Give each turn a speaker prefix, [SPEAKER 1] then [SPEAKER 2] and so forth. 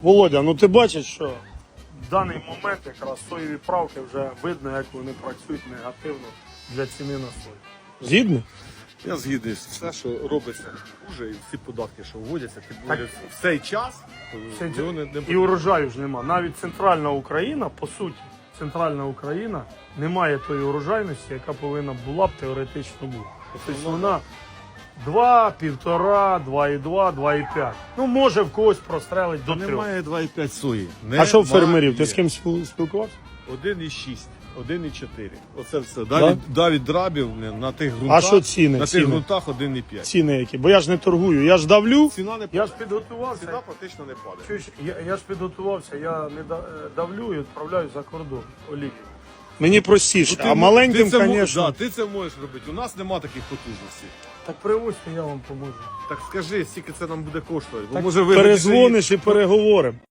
[SPEAKER 1] Володя, ну ти бачиш, що в даний момент якраз соєві правки вже видно, як вони працюють негативно для ціни на сою. Згідно?
[SPEAKER 2] Я згідний, все, що робиться хуже, і всі податки, що вводяться, підводяться в цей час, то цього не
[SPEAKER 1] І урожаю ж нема. Навіть центральна Україна, по суті, центральна Україна не має тої урожайності, яка повинна була б теоретично бути. Тобто вона 2, 1,5, 2,2, 2,5. Ну, може в когось прострелить до 3.
[SPEAKER 2] Немає 2,5 сої.
[SPEAKER 1] А що в фермерів? Ти з ким спілкувався?
[SPEAKER 2] 1,6, 1,4. Оце все. Давід драбів на тих ґрунтах.
[SPEAKER 1] А що ціни?
[SPEAKER 2] На тих ґрунтах 1,5.
[SPEAKER 1] Ціни які? Бо я ж не торгую, я ж давлю.
[SPEAKER 2] Ціна не
[SPEAKER 1] Я ж підготувався.
[SPEAKER 2] Ціна практично не падає.
[SPEAKER 1] Чуєш, я ж підготувався, я не давлю і відправляю за кордон олію. Мені простіше, а маленьким, звісно.
[SPEAKER 2] Ти це можеш робити. У нас нема таких потужностей.
[SPEAKER 1] Так привозьте, я вам поможу.
[SPEAKER 2] Так скажи, скільки це нам буде коштувати. Бо
[SPEAKER 1] Так
[SPEAKER 2] може ви
[SPEAKER 1] перезвониш і переговоримо.